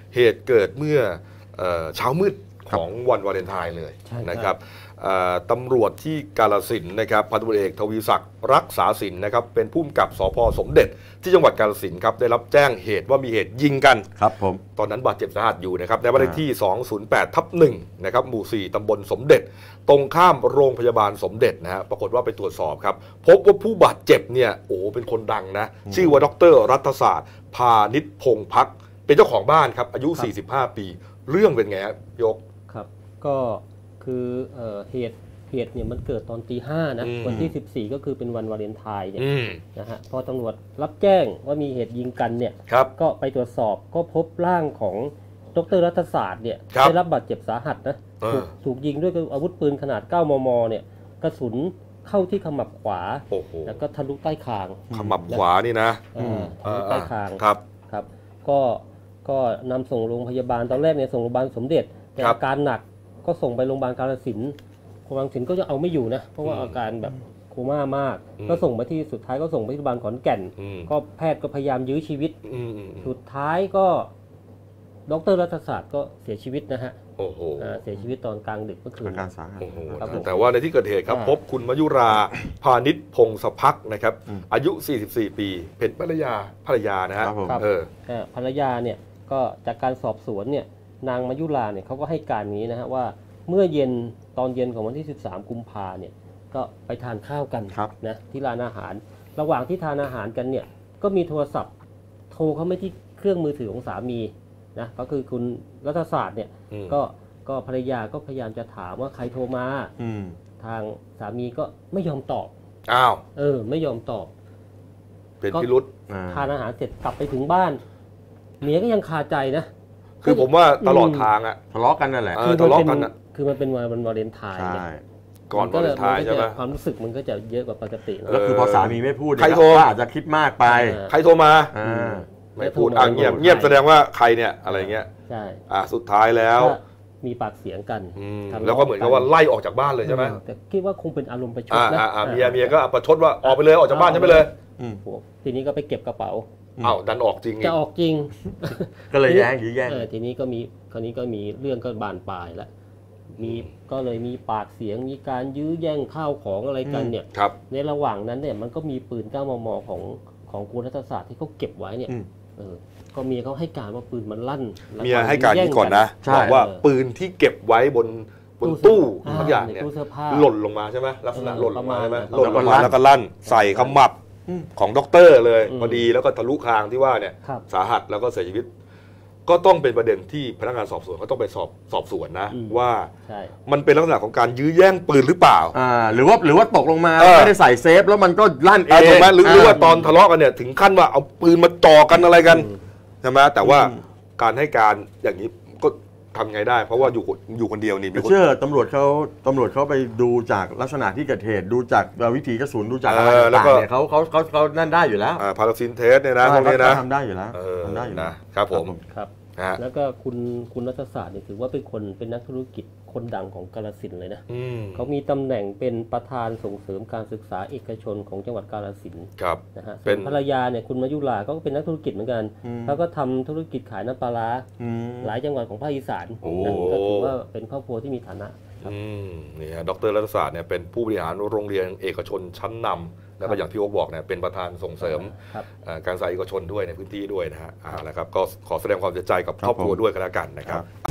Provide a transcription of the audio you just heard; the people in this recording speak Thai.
เหตุเกิดเมื่อเช้ามืดของวันวาเลนไทน์เลยนะครับตำรวจที่กาฬสินธุ์นะครับพันตำรวจเอกทวีศักดิ์รักษาสินนะครับเป็นผู้กำกับสภ.สมเด็จที่จังหวัดกาฬสินธุ์ครับได้รับแจ้งเหตุว่ามีเหตุยิงกันครับผมตอนนั้นบาดเจ็บสาหัสอยู่นะครับในบ้านเลขที่208/1นะครับหมู่4ตำบลสมเด็จตรงข้ามโรงพยาบาลสมเด็จนะฮะปรากฏว่าไปตรวจสอบครับพบว่าผู้บาดเจ็บเนี่ยโอ้เป็นคนดังนะชื่อว่าดร.รัฐศาสตร์พานิชพงษ์พักเป็นเจ้าของบ้านครับอายุ45 ปีเรื่องเป็นไงครับยกครับก็คือเหตุเนี่ยมันเกิดตอนตี 5นะวันที่14ก็คือเป็นวันวาเลนไทน์เนี่ยนะฮะพอตำรวจรับแจ้งว่ามีเหตุยิงกันเนี่ยก็ไปตรวจสอบก็พบร่างของดร.รัฐศาสตร์เนี่ยได้รับบาดเจ็บสาหัสนะถูกยิงด้วยอาวุธปืนขนาด9 มมเนี่ยกระสุนเข้าที่ขมับขวาแล้วก็ทะลุใต้คางขมับขวานี่นะทะลุใต้คางครับก็นำส่งโรงพยาบาลตอนแรกเนี่ยส่งโรงพยาบาลสมเด็จแต่อาการหนักก็ส่งไปโรงพยาบาลกาฬสินธุ์โรงพยาบาลสินธุ์ก็จะเอาไม่อยู่นะเพราะว่าอาการแบบโคม่ามากก็ส่งไปที่สุดท้ายก็ส่งไปที่โรงพยาบาลขอนแก่นก็แพทย์ก็พยายามยื้อชีวิตสุดท้ายก็ดร.รัฐศาสตร์ก็เสียชีวิตนะฮะเสียชีวิตตอนกลางดึกเมื่อคืนอาการสาหัสแต่ว่าในที่เกิดเหตุครับพบคุณมยุราพานิชพงศพักนะครับอายุ44 ปีเป็นภรรยานะฮะภรรยาเนี่ยก็จากการสอบสวนเนี่ยนางมยุราเนี่ยเขาก็ให้การนี้นะฮะว่าเมื่อตอนเย็นของวันที่13 กุมภาเนี่ยก็ไปทานข้าวกันนะที่ร้านอาหารระหว่างที่ทานอาหารกันเนี่ยก็มีโทรศัพท์โทรเข้ามาที่เครื่องมือถือของสามีนะก็คือคุณรัฐศาสตร์เนี่ยก็ภรรยาก็พยายามจะถามว่าใครโทรมาทางสามีก็ไม่ยอมตอบไม่ยอมตอบเป็นพิรุธทานอาหารเสร็จกลับไปถึงบ้านเมียก็ยังคาใจนะคือผมว่าตลอดทางอะทะเลาะกันนั่นแหละทะเลาะกันอะคือมันเป็นวันวาเลนไทน์ก่อนวาเลนไทน์ใช่ไหมความรู้สึกมันก็จะเยอะกว่าปกติแล้วคือพอสามีไม่พูดใครโทรอาจจะคิดมากไปใครโทรมาไม่พูดเงียบแสดงว่าใครเนี่ยอะไรเงี้ยใช่สุดท้ายแล้วมีปากเสียงกันแล้วก็เหมือนกับว่าไล่ออกจากบ้านเลยใช่ไหมแต่คิดว่าคงเป็นอารมณ์ประชดนะเมียก็ประชดว่าออกไปเลยออกจากบ้านฉันไปเลยทีนี้ก็ไปเก็บกระเป๋าดันออกจริงจะออกจริงก็เลยแย่งทีนี้ก็มีเรื่องก็บานปลายแล้วก็เลยมีปากเสียงมีการยื้อแย่งข้าวของอะไรกันเนี่ยในระหว่างนั้นเนี่ยมันก็มีปืน9 มมของคุณรัฐศาสตร์ที่เขาเก็บไว้เนี่ยก็เมียเขาให้การว่าปืนมันลั่นเมียให้การนี้ก่อนนะบอกว่าปืนที่เก็บไว้บนตู้ทุกอย่างเนี่ยหล่นลงมาใช่ไหมลักษณะหล่นลงมาใช่ไหมหล่นลงมาแล้วก็ลั่นใส่ขมับของด็อกเตอร์เลยพอดีแล้วก็ทะลุคางที่ว่าเนี่ยสาหัสแล้วก็เสียชีวิตก็ต้องเป็นประเด็นที่พนักงานสอบสวนเขาต้องไปสอบสวนนะว่ามันเป็นลักษณะของการยื้อแย่งปืนหรือเปล่าหรือว่าตกลงมาไม่ได้ใส่เซฟแล้วมันก็ลั่นเองถูกไหมหรือว่าตอนทะเลาะกันเนี่ยถึงขั้นว่าเอาปืนมาจ่อกันอะไรกันใช่ไหมแต่ว่าการให้การอย่างนี้ก็ทำไงได้เพราะว่าอยู่คนเดียวนี่เชื่อตำรวจเขาไปดูจากลักษณะที่เกิดเหตุดูจากวิถีกระสุนดูจากอะไรต่างๆเนี่ยเขานั่นได้อยู่แล้วพาราซินเทสเนี่ยนะพวกนี้นะทำได้อยู่แล้วครับผมครับแล้วก็คุณรัฐศาสตร์เนี่ยถือว่าเป็นนักธุรกิจคนดังของกาฬสินธุ์เลยนะเขามีตำแหน่งเป็นประธานส่งเสริมการศึกษาเอกชนของจังหวัดกาฬสินธุ์นะฮะส่วนภรรยาเนี่ยคุณมยุราก็เป็นนักธุรกิจเหมือนกันเขาก็ทำธุรกิจขายน้ำปลาร้าหลายจังหวัดของภาคอีสานก็ถือว่าเป็นครอบครัวที่มีฐานะนี่ฮะดร.รัฐศาสตร์เนี่ยเป็นผู้บริหารโรงเรียนเอกชนชั้นนำแล้วก็อย่างที่โอ๊คบอกเนี่ยเป็นประธานส่งเสริมการศึกษาเอกชนด้วยในพื้นที่ด้วยนะฮะแล้วครับก็ขอแสดงความเสียใจกับครอบครัวด้วยกันแล้วกันนะครับ